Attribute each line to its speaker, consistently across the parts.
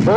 Speaker 1: ഓ,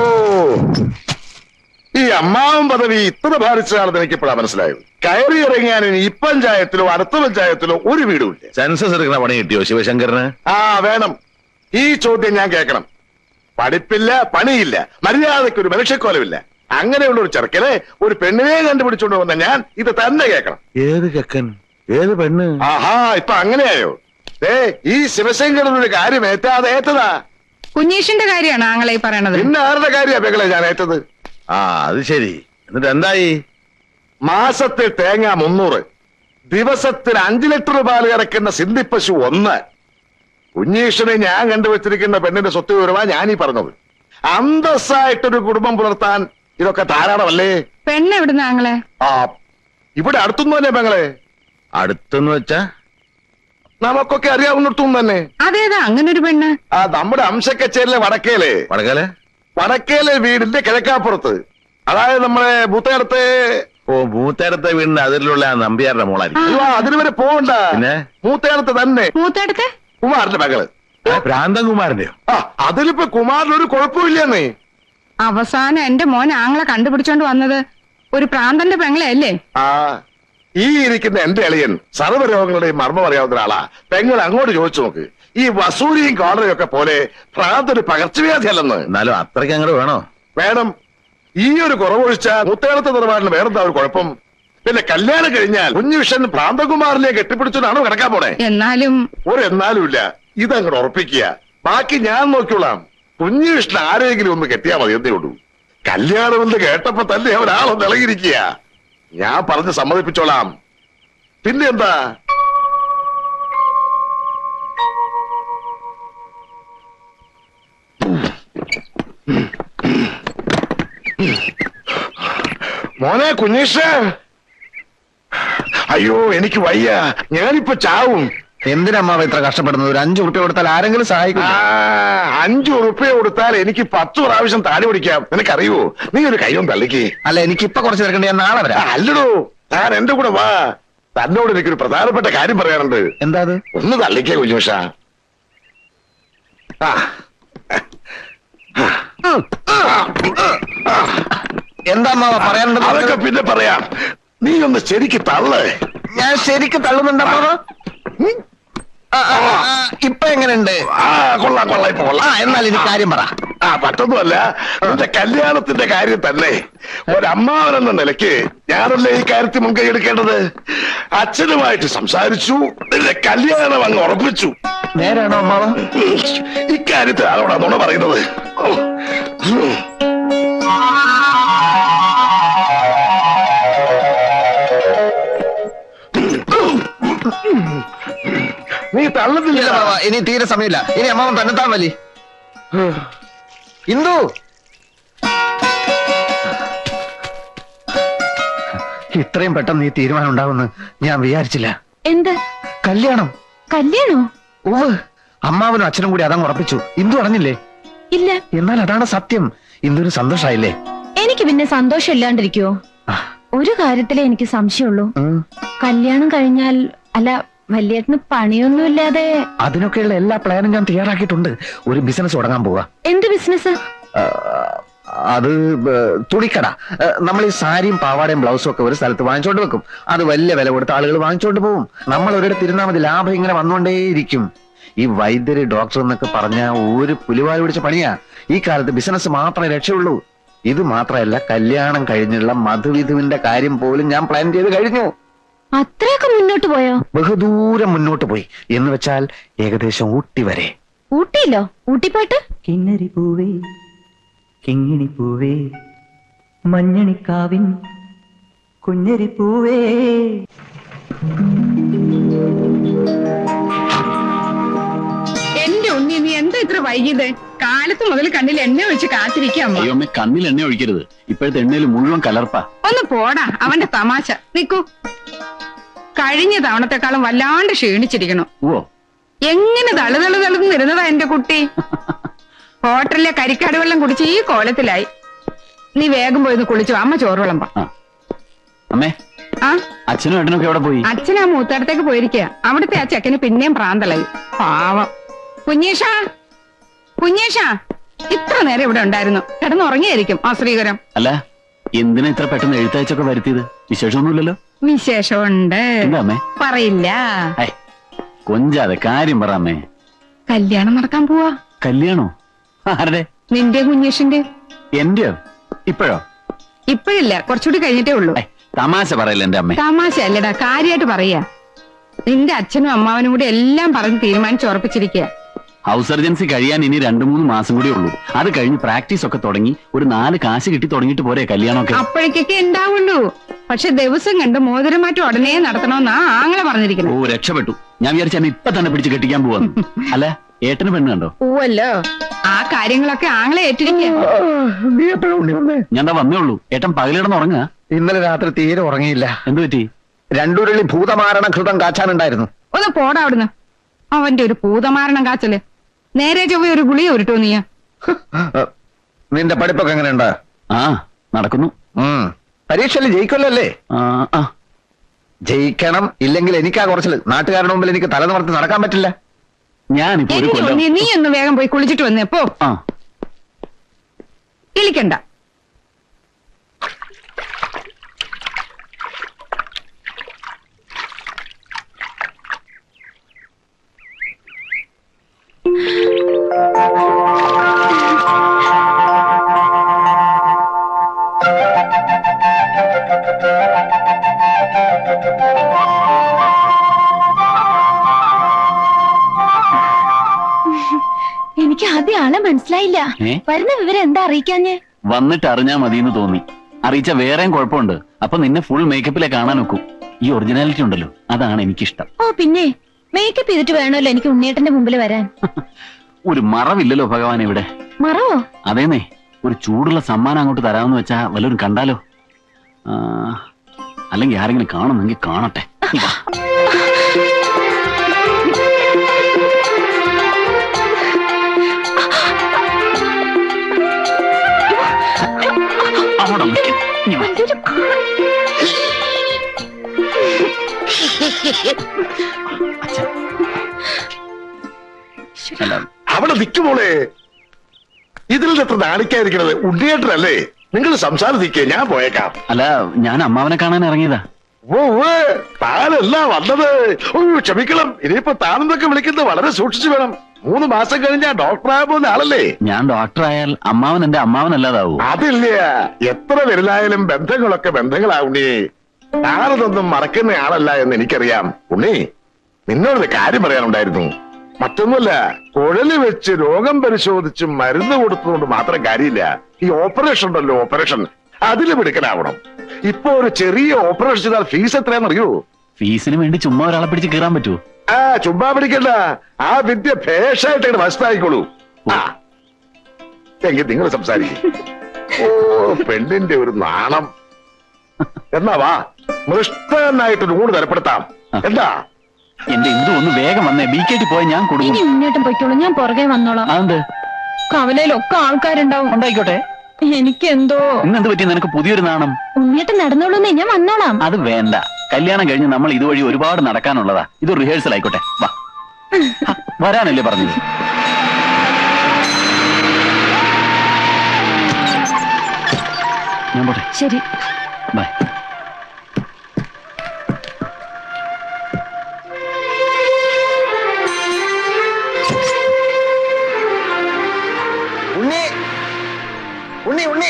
Speaker 1: ഈ അമ്മാവൻ പദവി ഇത്ര ഭാരിച്ചതാണെന്ന് എനിക്കിപ്പോഴാണ് മനസ്സിലായത്. കയറി ഇറങ്ങിയാൻ ഇനി ഈ പഞ്ചായത്തിലോ അടുത്ത പഞ്ചായത്തിലോ ഒരു വീടുമില്ല.
Speaker 2: സെൻസസ് എടുക്കുന്ന പണി കിട്ടിയോ ശിവശങ്കറിന്?
Speaker 1: ആ വേണം. ഈ ചോദ്യം ഞാൻ കേൾക്കണം. പഠിപ്പില്ല, പണിയില്ല, മര്യാദയ്ക്ക് ഒരു മനുഷ്യക്കോലമില്ല. അങ്ങനെയുള്ള ഒരു ചെറുക്കനെ ഒരു പെണ്ണിനെ കണ്ടുപിടിച്ചോണ്ട് വന്ന ഞാൻ ഇത് തന്നെ കേൾക്കണം.
Speaker 2: ഏത് ചെക്കൻ, ഏത് പെണ്ണ്?
Speaker 1: ആഹാ, ഇപ്പൊ അങ്ങനെയായോ? ഈ ശിവശങ്കരനൊരു കാര്യം ഏറ്റാതെ ഏറ്റതാ.
Speaker 3: കുഞ്ഞീഷിന്റെ കാര്യമാണ് ആങ്ങളെ പറയണത്.
Speaker 1: പിന്നെ ആരുടെ കാര്യ പെങ്ങളെ ഞാൻ ഏറ്റത്?
Speaker 2: ആ അത് ശരി. എന്നിട്ട് എന്തായി?
Speaker 1: മാസത്തിൽ തേങ്ങ 300, ദിവസത്തിൽ 5 ലിറ്റർ പാല് കറക്കുന്ന സിന്ധിപ്പശു 1. കുഞ്ഞീഷിനെ ഞാൻ കണ്ടുവച്ചിരിക്കുന്ന പെണ്ണിന്റെ സ്വത്ത് വിവരമാ ഞാനീ പറഞ്ഞത്. അന്തസ്സായിട്ടൊരു കുടുംബം പുലർത്താൻ ഇതൊക്കെ ധാരാളമല്ലേ?
Speaker 3: പെണ്ണ് എവിടുന്ന ആങ്ങളെ?
Speaker 1: ആ, ഇവിടെ അടുത്തൊന്നും തന്നെ പെങ്ങളെ.
Speaker 2: അടുത്തെന്ന് വെച്ചാ
Speaker 1: നമുക്കൊക്കെ അറിയാവുന്നിടത്തും തന്നെ.
Speaker 3: അതേതാ അങ്ങനെ ഒരു പെണ്ണ്?
Speaker 1: ആ, നമ്മുടെ അംശക്കച്ചേരിലെ വടക്കേലെ വടക്കേലെ വീടിന്റെ കിഴക്കാപ്പുറത്ത്, അതായത് നമ്മളെ മൂത്തേടത്തെ.
Speaker 2: ഓ, മൂത്തേടത്തെ വീടിന്റെ അതിലുള്ള നമ്പ്യാരുടെ മോളായിരിക്കും.
Speaker 1: അതിന് വരെ പോകണ്ട. പിന്നെ മൂത്തേടത്തെ തന്നെ.
Speaker 3: മൂത്തേടത്തെ
Speaker 1: കുമാറിന്റെ മകള്.
Speaker 2: ഭ്രാന്തൻകുമാറിന്റെയോ?
Speaker 1: ആ, അതിലിപ്പോ കുമാറിനൊരു കുഴപ്പമില്ലെന്നേ.
Speaker 3: അവസാനം എന്റെ മോൻ ആങ്ങളെ കണ്ടുപിടിച്ചോണ്ട് വന്നത് ഒരു പ്രാന്തന്റെ പെങ്ങളെ അല്ലേ?
Speaker 1: ആ, ഈ ഇരിക്കുന്ന എന്റെ എളിയൻ സർവ്വരോഗങ്ങളുടെയും മർമ്മം അറിയാവുന്ന ഒരാളാ. പെങ്ങൾ അങ്ങോട്ട് ചോദിച്ചു നോക്ക്. ഈ വസൂരിയും കോളറയും ഒക്കെ പോലെ ഭ്രാന്തൊരു പകർച്ചവ്യാധി അല്ലെന്ന്.
Speaker 2: എന്നാലും അത്രയ്ക്ക് അങ്ങോട്ട് വേണോ?
Speaker 1: വേണം. ഈ ഒരു കുറവൊഴിച്ചാൽ മുത്തേടത്തെ നിലപാടിന് വേറെന്താ ഒരു കുഴപ്പം? പിന്നെ കല്യാണം കഴിഞ്ഞാൽ കുഞ്ഞുവിഷൻ ഭ്രാന്തകുമാറിനെ കെട്ടിപ്പിടിച്ചതാണോ കിടക്കാൻ പോണേ?
Speaker 3: എന്നാലും
Speaker 1: ഇല്ല. ഇതങ്ങോട്ട് ഉറപ്പിക്കുക. ബാക്കി ഞാൻ നോക്കിയോളാം. കുഞ്ഞുവിഷ്ണൻ ആരെങ്കിലും ഒന്ന് കെട്ടിയാ മതി, എന്നേ ഉള്ളൂ. കല്യാണം എന്ന് കേട്ടപ്പോ തന്നെ ഒരാളൊന്ന് ഇളകിയിരിക്കുക. ഞാൻ പറഞ്ഞ് സമ്മതിപ്പിച്ചോളാം. പിന്നെ എന്താ? മോനെ കുഞ്ഞീഷ, അയ്യോ എനിക്ക് വയ്യ, ഞാനിപ്പോ ചാവും.
Speaker 2: എന്തിനമ്മാവ ഇത്ര കഷ്ടപ്പെടുന്നത്? ഒരു 5 ഉറുപ്പ്യ കൊടുത്താൽ ആരെങ്കിലും സഹായിക്കും.
Speaker 1: 5 ഉറുപ്പ്യ കൊടുത്താൽ എനിക്ക് 10 പ്രാവശ്യം താടി പിടിക്കാം. നിനക്കറിയോ? നീ ഒരു കൈയും തള്ളിക്ക്.
Speaker 2: അല്ല, എനിക്കിപ്പൊ കുറച്ച് തിരക്കണ്ട, ഞാൻ നാളെ വരാം.
Speaker 1: അല്ലടോ, താൻ എന്റെ കൂടെ വാ. തന്നോട് എനിക്കൊരു പ്രധാനപ്പെട്ട കാര്യം പറയാനുണ്ട്.
Speaker 2: എന്താ അത്?
Speaker 1: ഒന്ന് തള്ളിക്കേ കുഞ്ഞുഷ.
Speaker 2: എന്താ അമ്മാവ പറയാനുണ്ട്?
Speaker 1: അതൊക്കെ പിന്നെ പറയാം. നീ ഒന്ന് ശരിക്ക് തള്ളേ.
Speaker 2: ഞാൻ ശരിക്ക് തള്ളുന്നുണ്ടാ? ഇപ്പൊ എങ്ങനെയുണ്ട്?
Speaker 1: കൊള്ളാം കൊള്ളാം, ഇപ്പൊ കൊള്ളാം.
Speaker 2: എന്നാൽ ഇനി കാര്യം പറ.
Speaker 1: പറ്റൊന്നുമല്ല, നിന്റെ കല്യാണത്തിന്റെ കാര്യം തന്നെ. ഒരമ്മാവനെന്ന നിലയ്ക്ക് ഞാനല്ലേ ഈ കാര്യത്തിൽ മുൻകൈ എടുക്കേണ്ടത്. അച്ഛനുമായിട്ട് സംസാരിച്ചു, നിന്റെ കല്യാണം അങ്ങ് ഉറപ്പിച്ചു.
Speaker 2: നേരാണോ അമ്മാവ?
Speaker 1: ഇക്കാര്യത്തിൽ ആരോടാ നുണ പറയുന്നത്? നീ തള്ളുന്നില്ല.
Speaker 2: ഇനി തീരെ സമയമില്ല. ഇനി അമ്മാവൻ തന്നെത്താൻ വലി. ഇന്ദു, ഇത്രയും പെട്ടെന്ന് ഈ തീരുമാനം ഉണ്ടാവുമെന്ന് ഞാൻ വിചാരിച്ചില്ല.
Speaker 3: എന്ത്
Speaker 2: കല്യാണം?
Speaker 3: കല്യാണോ?
Speaker 2: ഓ, അമ്മാവനും അച്ഛനും കൂടി അതങ്ങ് ഉറപ്പിച്ചു. ഇന്ദു അറിഞ്ഞില്ലേ?
Speaker 3: ഇല്ല.
Speaker 2: എന്നാൽ അതാണ് സത്യം. ഇന്ദുവിന് സന്തോഷായില്ലേ?
Speaker 4: എനിക്ക് പിന്നെ സന്തോഷം ഇല്ലാണ്ടിരിക്കുവോ? ഒരു കാര്യത്തിലേ എനിക്ക് സംശയമുള്ളൂ. കല്യാണം കഴിഞ്ഞാൽ, അല്ല വല്യേട്ടന് പണിയൊന്നുമില്ലാതെ.
Speaker 2: അതിനൊക്കെയുള്ള എല്ലാ പ്ലാനും ഞാൻ തയ്യാറാക്കിയിട്ടുണ്ട്. ഒരു ബിസിനസ് തുടങ്ങാൻ പോവാ.
Speaker 4: എന്ത് ബിസിനസ്?
Speaker 2: അത് തുണിക്കട. നമ്മൾ ഈ സാരിയും പാവാടയും ബ്ലൗസും ഒക്കെ ഒരു സ്ഥലത്ത് വാങ്ങിച്ചോണ്ട് വെക്കും. അത് വലിയ വില കൊടുത്ത് ആളുകൾ വാങ്ങിച്ചോണ്ട് പോകും. നമ്മൾ ഒരിടത്ത് ഇരുന്നാൽ മതി, ലാഭം ഇങ്ങനെ വന്നുകൊണ്ടേയിരിക്കും. ഈ വൈദ്യര് ഡോക്ടർ എന്നൊക്കെ പറഞ്ഞ ഒരു പുലിവാല് പിടിച്ച പണിയാ. ഈ കാലത്ത് ബിസിനസ് മാത്രമേ രക്ഷയുള്ളൂ. ഇത് മാത്രമല്ല, കല്യാണം കഴിഞ്ഞുള്ള മധുവിധുവിന്റെ കാര്യം പോലും ഞാൻ പ്ലാൻ ചെയ്ത് കഴിഞ്ഞു.
Speaker 4: അത്രയൊക്കെ മുന്നോട്ട് പോയോ?
Speaker 2: ബഹുദൂരം മുന്നോട്ട് പോയി. എന്ന് വെച്ചാൽ ഏകദേശം ഊട്ടി വരെ.
Speaker 4: ഊട്ടിയിലോ? ഊട്ടിപ്പാട്ട്?
Speaker 5: കിന്നരി പൂവേ കിങ്ങിണി പൂവേ മഞ്ഞണിക്കാവിൻ കുഞ്ഞരി പൂവേ.
Speaker 3: എന്റെ ഉണ്ണി, നീ എന്താ ഇത്ര വൈകിയത്? കാലത്ത് മുതൽ കണ്ണിൽ എണ്ണ ഒഴിച്ച് കാത്തിരിക്കാം.
Speaker 6: അയ്യോ അമ്മ, കണ്ണിൽ എണ്ണ ഒഴിക്കരുത്. ഇപ്പോഴത്തെ എണ്ണയിൽ മുഴുവൻ കലർപ്പാ.
Speaker 3: ഒന്ന് പോടാ, അവന്റെ തമാശ. നിക്കൂ, കഴിഞ്ഞ തവണത്തെക്കാളും വല്ലാണ്ട് ക്ഷീണിച്ചിരിക്കണു.
Speaker 6: ഓ,
Speaker 3: എങ്ങനെ തളുതളുതളുന്നിരുന്നതാ എന്റെ കുട്ടി. ഹോട്ടലിലെ കരിക്കാട് വെള്ളം കുടിച്ച് ഈ കോലത്തിലായി. നീ വേഗം പോയി കുളിച്ചു. അമ്മ ചോറ് വിളമ്പാ.
Speaker 6: അമ്മേ,
Speaker 3: ആ
Speaker 6: അച്ഛനും ഏട്ടനൊക്കെ എവിടെ പോയി?
Speaker 3: അച്ഛൻ ആ മൂത്തടത്തേക്ക് പോയിരിക്കുക. അവിടുത്തെ ആ ചെക്കന് പിന്നെയും പ്രാന്തളായി. പാവം. കുഞ്ഞേഷാ, കുഞ്ഞേഷാ, ഇത്ര നേരം ഇവിടെ ഉണ്ടായിരുന്നു. കിടന്നുറങ്ങിയായിരിക്കും ആ ശ്രീകരം.
Speaker 6: അല്ല എന്തിനാ ഇത്ര പെട്ടെന്ന് എഴുത്തയച്ചൊക്കെ വരുത്തിയത്? വിശേഷമൊന്നുമില്ലല്ലോ?
Speaker 3: വിശേഷമുണ്ട്.
Speaker 6: എന്താ അമ്മേ?
Speaker 3: പറയില്ല.
Speaker 6: കൊഞ്ചാതെ കാര്യം പറ അമ്മേ.
Speaker 3: കല്യാണം നടക്കാൻ പോവാ.
Speaker 6: കല്യാണോ? ആരുടെ?
Speaker 3: നിന്റെ കുഞ്ഞേഷിന്റെ.
Speaker 6: എന്റെയോ? ഇപ്പോഴോ?
Speaker 3: ഇപ്പഴില്ല, കുറച്ചുകൂടി കഴിഞ്ഞിട്ടേ ഉള്ളൂ.
Speaker 6: തമാശ പറയില്ല എന്റെ അമ്മേ.
Speaker 3: തമാശ അല്ലടാ, കാര്യമായിട്ട് പറയാ. നിന്റെ അച്ഛനും അമ്മാവനും കൂടി എല്ലാം പറഞ്ഞ് തീരുമാനിച്ചുറപ്പിച്ചിരിക്കുക.
Speaker 6: ഹൗസ് സർജൻസി കഴിയാൻ ഇനി 2-3 മാസം കൂടി ഉള്ളൂ. അത് കഴിഞ്ഞ് പ്രാക്ടീസ് ഒക്കെ തുടങ്ങി ഒരു 4 കാശ് കിട്ടി തുടങ്ങിയിട്ട് പോരെ കല്യാണമൊക്കെ?
Speaker 3: അപ്പോഴേക്കൊക്കെ ഉണ്ടാവുള്ളൂ. പക്ഷെ ദിവസം കണ്ട് മോതിരമാറ്റം ഉടനെ നടത്തണമെന്നാ ആങ്ങളെ പറഞ്ഞിരിക്കുന്നത്.
Speaker 6: ഓ രക്ഷപ്പെട്ടു. ഞാൻ വിചാരിച്ച എന്നെ ഇപ്പൊ തന്നെ പിടിച്ച് കെട്ടിക്കാൻ പോവാന്ന്. അല്ല ഏട്ടന് പെണ്ണ് കണ്ടോ?
Speaker 3: പോവല്ലോ. ആ കാര്യങ്ങളൊക്കെ ആങ്ങളെ ഏറ്റിരിക്കുക.
Speaker 2: നീ എപ്പോഴും ഉണ്ണി വന്നേ?
Speaker 6: ഞാൻ വന്നേ ഉള്ളൂ. ഏട്ടൻ പകലിടന്ന് ഉറങ്ങുക?
Speaker 2: ഇന്നലെ രാത്രി തീരെ ഉറങ്ങിയില്ല.
Speaker 6: എന്തു പറ്റി?
Speaker 2: 2 ഉരുളി ഭൂതമാരണ ഘൃതം കാച്ചാനുണ്ടായിരുന്നു.
Speaker 3: ഒന്ന് പോടാ അവിടുന്ന്. അവന്റെ ഒരു ഭൂതമാരണം കാച്ചല്. നേരെ ചൊവ്വ ഒരു ഗുളിക ഉരുട്ടോ നീയാ.
Speaker 2: നിന്റെ പഠിപ്പൊക്കെ എങ്ങനെയുണ്ട്?
Speaker 6: ആ നടക്കുന്നു.
Speaker 2: പരീക്ഷയിൽ ജയിക്കുമല്ലോ അല്ലേ?
Speaker 6: ആ
Speaker 2: ജയിക്കണം. ഇല്ലെങ്കിൽ എനിക്കാ കുറച്ചില്. നാട്ടുകാരുടെ മുമ്പിൽ എനിക്ക് തല നിവർത്തി നടക്കാൻ പറ്റില്ല.
Speaker 6: ഞാനിപ്പോ ഒരു കൊല്ലം.
Speaker 3: നീ ഒന്ന് വേഗം പോയി കുളിച്ചിട്ട് വന്നേ പോ.
Speaker 6: ആ
Speaker 3: ഇളിക്കണ്ട.
Speaker 4: എനിക്ക് ആദ്യം ആളെ മനസ്സിലായില്ല. വരുന്ന വിവരം എന്താ അറിയിക്കാഞ്ഞ്?
Speaker 6: വന്നിട്ട് അറിഞ്ഞാ മതിയെന്ന് തോന്നി. അറിയിച്ച വേറെയും കുഴപ്പമുണ്ട്. അപ്പൊ നിന്നെ ഫുൾ മേക്കപ്പിലെ കാണാൻ നോക്കൂ. ഈ ഒറിജിനാലിറ്റി ഉണ്ടല്ലോ, അതാണ് എനിക്കിഷ്ടം.
Speaker 4: ഓ പിന്നെ മേക്കപ്പ് ചെയ്തിട്ട് വേണമല്ലോ എനിക്ക് ഉണ്ണിയേട്ടന്റെ മുമ്പിൽ വരാൻ.
Speaker 6: ഒരു മറവില്ലല്ലോ ഭഗവാൻ ഇവിടെ.
Speaker 4: മറവോ?
Speaker 6: അതേന്നേ, ഒരു ചൂടുള്ള സമ്മാനം അങ്ങോട്ട് തരാമെന്ന് വെച്ചാ വല്ലവരും കണ്ടാലോ? അല്ലെങ്കിൽ ആരെങ്കിലും കാണുന്നെങ്കിൽ കാണട്ടെ. അവിടെ നിൽക്കും. ഇനി വാ. അച്ഛാ. അല്ല,
Speaker 1: അവിടെ നിൽക്കുമോളെ. ഇതിൽ എത്ര നാണിക്കാതിരിക്കണത്? ഉണ്ണിയേട്ടനല്ലേ? നിങ്ങൾ സംസാരിക്കേ, ഞാൻ പോയേക്കാം.
Speaker 6: അല്ല ഞാൻ അമ്മാവനെ കാണാൻ ഇറങ്ങിയതാ.
Speaker 1: ഓ താനല്ല വന്നത്. ഓ ക്ഷമിക്കണം. ഇനിയിപ്പോ താനെന്നൊക്കെ വിളിക്കുന്നത് വളരെ സൂക്ഷിച്ചു വേണം. 3 മാസം കഴിഞ്ഞാ ഡോക്ടറായ പോകുന്ന ആളല്ലേ?
Speaker 6: ഞാൻ ഡോക്ടറായാൽ അമ്മാവൻ എന്റെ അമ്മാവനല്ലാതാവൂ.
Speaker 1: അതില്ല. എത്ര വലുതായാലും ബന്ധങ്ങളൊക്കെ ബന്ധങ്ങളാവുണ്ണി. താനതൊന്നും മറക്കുന്ന ആളല്ല എന്ന് എനിക്കറിയാം. ഉണ്ണി, നിന്നോടൊരു കാര്യം പറയാനുണ്ടായിരുന്നു. മറ്റൊന്നുമല്ല, കുഴല് വെച്ച് രോഗം പരിശോധിച്ച് മരുന്ന് കൊടുത്തതുകൊണ്ട് മാത്രം കാര്യമില്ല. ഈ ഓപ്പറേഷൻ ഉണ്ടല്ലോ, ഓപ്പറേഷൻ, അതിൽ മിടുക്കനാവണം. ഇപ്പൊ ഒരു ചെറിയ ഓപ്പറേഷൻ ചെയ്താൽ ഫീസ് എത്രയാണെന്നറിയോ?
Speaker 6: ഫീസിന് വേണ്ടി ചുമ്മാ ഒരാളെ പിടിച്ച് കീറാൻ പറ്റുമോ?
Speaker 1: ചുമ്മാ പിടിക്കണ്ട. ആ വിദ്യ ഭേഷായിട്ട് മനസ്സിലായിക്കോളൂ. എങ്കിൽ നിങ്ങൾ സംസാരിക്കും. ഓ പെണ്ണിന്റെ ഒരു നാണം. എന്നാ വാ, മൃഷ്ടനായിട്ടൊരു ഊണ് തരപ്പെടുത്താം. എന്താ?
Speaker 6: എന്റെ ഇന്ദു ഒന്ന് വേഗം വന്നേ. ബിക്കേറ്റി പോയാൽ ഞാൻ
Speaker 4: ഇനി
Speaker 6: കൊടുക്കും.
Speaker 4: ഉണ്ണിയേട്ടൻ പൊയ്ക്കോളൂ, ഞാൻ പുറകെ വന്നോളാം.
Speaker 6: അതെന്ത്?
Speaker 4: കവലയിലൊക്കെ ആൾക്കാരുണ്ടാവും.
Speaker 6: ഉണ്ടായിക്കോട്ടെ.
Speaker 4: എനിക്കെന്തോ.
Speaker 6: ഇന്നെന്ത് പറ്റി നിനക്ക് പുതിയൊരു നാണം?
Speaker 4: ഉണ്ണിയേട്ടൻ നടന്നോളൂന്നേ, ഞാൻ വന്നോളാം.
Speaker 6: അത് വേണ്ട. കല്യാണം കഴിഞ്ഞ് നമ്മൾ ഇതുവഴി ഒരുപാട് നടക്കാനുള്ളതാ. ഇത് റിഹേഴ്സൽ ആയിക്കോട്ടെ. വാ. വരാനല്ലേ പറഞ്ഞത്? ഞാൻ പോട്ടെ.
Speaker 4: ശരി.
Speaker 6: ബൈ.
Speaker 2: ഉണ്ണി ഉണ്ണി ഉണ്ണി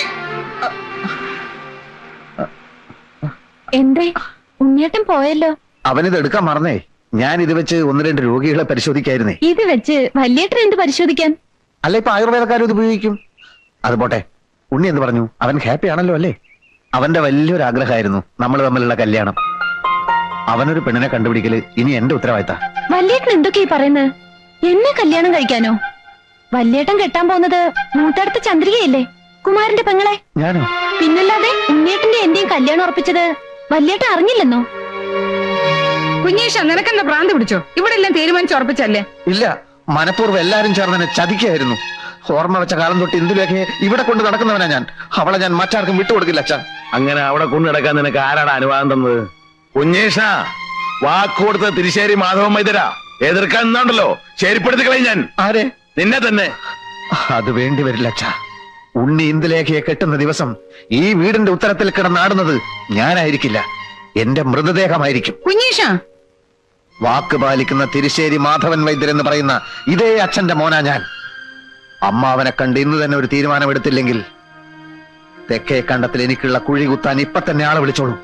Speaker 4: എന്തേ ഉണ്ണിയേട്ടൻ പോയല്ലോ?
Speaker 2: അവനിത് എടുക്കാൻ മറന്നേ. ഞാൻ ഇത് വെച്ച് 1-2 രോഗികളെ പരിശോധിക്കായിരുന്നേ.
Speaker 4: ഇത് വെച്ച് വല്യേട്ടൻ എന്ത് പരിശോധിക്കാൻ?
Speaker 2: അല്ല, ഇപ്പൊ ആയുർവേദക്കാരും ഇത് ഉപയോഗിക്കും. അത് പോട്ടെ, ഉണ്ണി എന്ത് പറഞ്ഞു? അവൻ ഹാപ്പി ആണല്ലോ അല്ലേ? അവന്റെ വലിയൊരു ആഗ്രഹമായിരുന്നു നമ്മൾ തമ്മിലുള്ള കല്യാണം. അവനൊരു പെണ്ണിനെ കണ്ടുപിടിക്കല് ഇനി എന്റെ ഉത്തരവാദിത്ത.
Speaker 4: വല്യേട്ടൻ എന്തൊക്കെയാ പറയുന്നത്? എന്നെ കല്യാണം കഴിക്കാനോ? വല്യേട്ടൻ കെട്ടാൻ പോകുന്നത് മൂത്തടുത്ത ചന്ദ്രികയല്ലേ, കുമാരന്റെ പെങ്ങളെ.
Speaker 2: ഞാനോ?
Speaker 4: പിന്നല്ലാതെ ഉണ്ണിയേട്ടന്റെ എന്റെയും കല്യാണം ഉറപ്പിച്ചത് വല്യേട്ടൻ അറിഞ്ഞില്ലെന്നോ?
Speaker 3: കുഞ്ഞേഷ, നിനക്കെന്താ ഭ്രാന്ത് പിടിച്ചോ? ഇവിടെ എല്ലാം തീരുമാനിച്ചുറപ്പിച്ചല്ലേ?
Speaker 2: ഇല്ല, മനഃപൂർവ്വം എല്ലാരും ചേർന്ന് എന്നെ ചതിക്കായിരുന്നു. ഓർമ്മ വെച്ച കാലം തൊട്ട് ഇന്ദുലേഖയെ ഇവിടെ കൊണ്ട് നടക്കുന്നവനാ ഞാൻ. അവളെ ഞാൻ മറ്റാർക്കും വിട്ടുകൊടുക്കില്ല അച്ഛാ.
Speaker 1: അങ്ങനെ അവിടെ കൊണ്ടു നടക്കാൻ നിനക്ക് ആരാണ് അനുവാദം തന്നത്? കുഞ്ഞേഷ, വാക്കുകൊടുത്ത തിരിശ്ശേരി മാധവൻ മൈതര എതിർക്കാൻ നിന്നുണ്ടല്ലോ, ശരിപ്പെടുത്തി കളയും ഞാൻ.
Speaker 2: ആരെ?
Speaker 1: നിന്നെ തന്നെ.
Speaker 2: അത് വേണ്ടി വരില്ല അച്ഛാ. ഉണ്ണി ഇന്ദുലേഖയെ കെട്ടുന്ന ദിവസം ഈ വീടിന്റെ ഉത്തരത്തിൽ കിടന്നാടുന്നത് ഞാനായിരിക്കില്ല, എന്റെ മൃതദേഹമായിരിക്കും.
Speaker 3: കുഞ്ഞീഷ,
Speaker 2: വാക്ക് പാലിക്കുന്ന തിരുശ്ശേരി മാധവൻ വൈദ്യർ എന്ന് പറയുന്ന ഇതേ അച്ഛന്റെ മോനാ ഞാൻ. അമ്മാവനെ കണ്ട് ഇന്ന് തന്നെ ഒരു തീരുമാനമെടുത്തില്ലെങ്കിൽ തെക്കേ കണ്ടത്തിൽ എനിക്കുള്ള കുഴി കുത്താൻ ഇപ്പൊ തന്നെ ആളെ വിളിച്ചോളൂ.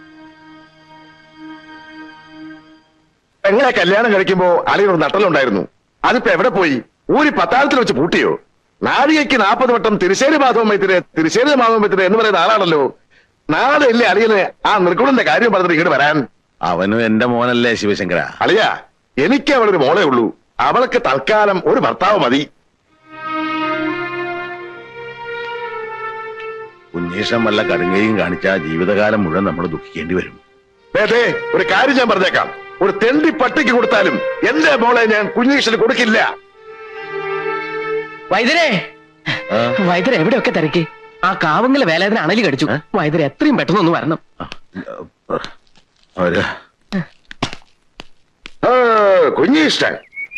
Speaker 1: പെങ്ങളെ കല്യാണം കഴിക്കുമ്പോ അളിയൊരു നട്ടലുണ്ടായിരുന്നു, അതിപ്പോ എവിടെ പോയി? ഊരി പത്താഴത്തിൽ വെച്ച് പൂട്ടിയോ? നാഴികയ്ക്ക് 40 വട്ടം തിരുശ്ശേരി മാധവൻ വൈദ്യരെ എന്ന് പറയുന്ന ആളാണല്ലോ. നാളെ ഇല്ലേ അളിയന് ആ നിർഗുണന്റെ കാര്യം പറഞ്ഞിട്ട് ഇങ്ങോട്ട് വരാൻ?
Speaker 7: അവനും എന്റെ മോനല്ലേ ശിവശങ്കര.
Speaker 1: അളിയ, എനിക്ക് അവളൊരു മോളേ ഉള്ളൂ. അവൾക്ക് തൽക്കാലം ഒരു ഭർത്താവ് മതി.
Speaker 7: ഉന്നീഷം വല്ല കടുങ്ങയും കാണിച്ചാൽ ജീവിതകാലം മുഴുവൻ നമ്മൾ ദുഃഖിക്കേണ്ടി വരും.
Speaker 1: അതെ, ഒരു കാര്യം ഞാൻ പറഞ്ഞേക്കാം, ഒരു തെണ്ടി പട്ടിക്ക് കൊടുത്താലും എന്റെ മോളെ ഞാൻ കുഞ്ഞീഷന് കൊടുക്കില്ല.
Speaker 8: വൈദ്യരെ, വൈദ്യരെ എവിടെയൊക്കെ തിരക്കി? ആ കാവങ്ങല വേലാതിന് അണലി കടിച്ചു. വൈദ്യരെ എത്രയും പെട്ടെന്ന് ഒന്ന് വരണം.
Speaker 1: കുഞ്ഞീഷ്ടൻ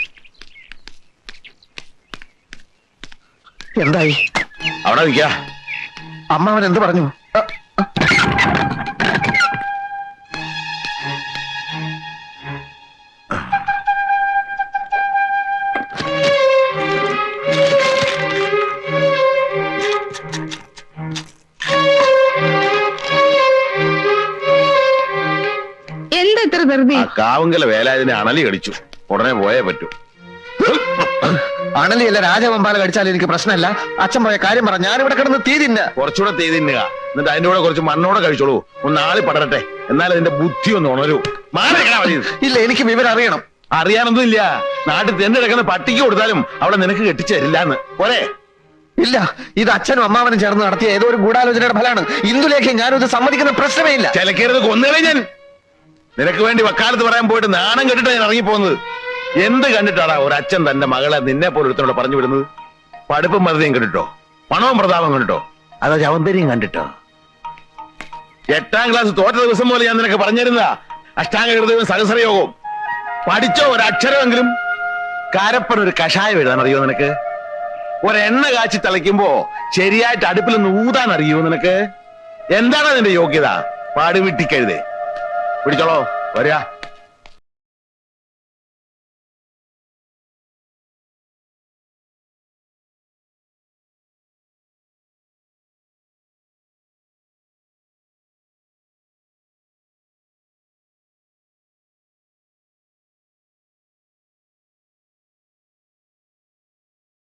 Speaker 2: എന്തായി?
Speaker 7: അവിടെ നിൽക്കാ.
Speaker 2: അമ്മാവൻ എന്ത് പറഞ്ഞു?
Speaker 3: എന്താ ഇത്ര ധൃതി?
Speaker 7: കാവുങ്കല വേലാതിനെ അണലി കടിച്ചു, ഉടനെ പോയേ പറ്റൂ.
Speaker 2: അണലിയല്ല രാജവമ്പാല കടിച്ചാലും എനിക്ക് പ്രശ്നമല്ല. അച്ഛൻ പോയ കാര്യം പറ, ഞാനിവിടെ കിടന്ന് തീ തിന്ന.
Speaker 7: കുറച്ചുകൂടെ തീ തിന്നുക, എന്നിട്ട് അതിന്റെ കൂടെ കുറച്ച് മണ്ണോടെ കഴിച്ചോളൂ. ഒന്ന് ആളി പടരട്ടെ, എന്നാലും അതിന്റെ ബുദ്ധി ഒന്ന് ഉണരൂ.
Speaker 2: ഇല്ല, എനിക്ക് വിവരം അറിയണം.
Speaker 7: അറിയാനൊന്നും ഇല്ല. നാട്ടിൽ തെന്നു കിടക്കുന്ന പട്ടിക്ക് കൊടുത്താലും അവളെ നിനക്ക് കെട്ടിച്ചു തരില്ലാന്ന് പോരെ?
Speaker 2: ഇല്ല, ഇത് അച്ഛനും അമ്മാവനും ചേർന്ന് നടത്തിയ ഏതോ ഒരു ഗൂഢാലോചനയുടെ ഫലമാണ്. ഇന്ദുലേഖ ഞാനും ഇത് സമ്മതിക്കുന്ന പ്രശ്നമേ ഇല്ല.
Speaker 7: ചിലക്കരുത്, കൊന്നുകളെ ഞാൻ. നിനക്ക് വേണ്ടി വക്കാലത്ത് പറയാൻ പോയിട്ട് നാണം കെട്ടിട്ട് ഞാൻ ഇറങ്ങിപ്പോകുന്നത്. എന്ത് കണ്ടിട്ടാടാ ഒരച്ഛൻ തന്റെ മകളെ നിന്നെ പോലെ ഒരുത്തനോട് പറഞ്ഞു വിടുന്നത്? പഠിപ്പും മറുതയും കണ്ടിട്ടോ, പണവും പ്രതാപം കണ്ടിട്ടോ, അതോ ചവന്തരിയും കണ്ടിട്ടോ? 8ാം ക്ലാസ് തോറ്റ ദിവസം പോലെ ഞാൻ നിനക്ക് പറഞ്ഞിരുന്നതാ അഷ്ടാംഗ ഹൃദയവും സഹസ്രയോഗവും. പഠിച്ചോ ഒരക്ഷരമെങ്കിലും? കാരപ്പൻ ഒരു കഷായം എഴുതാൻ അറിയോ നിനക്ക്? ഒരെണ്ണ കാച്ചി തിളയ്ക്കുമ്പോ ശരിയായിട്ട് അടുപ്പിലൊന്ന് ഊതാൻ അറിയോ നിനക്ക്? എന്താണ് അതിന്റെ യോഗ്യത? പാടുവിട്ടിക്കഴുതേ. പിടിച്ചോളോ, വരിക.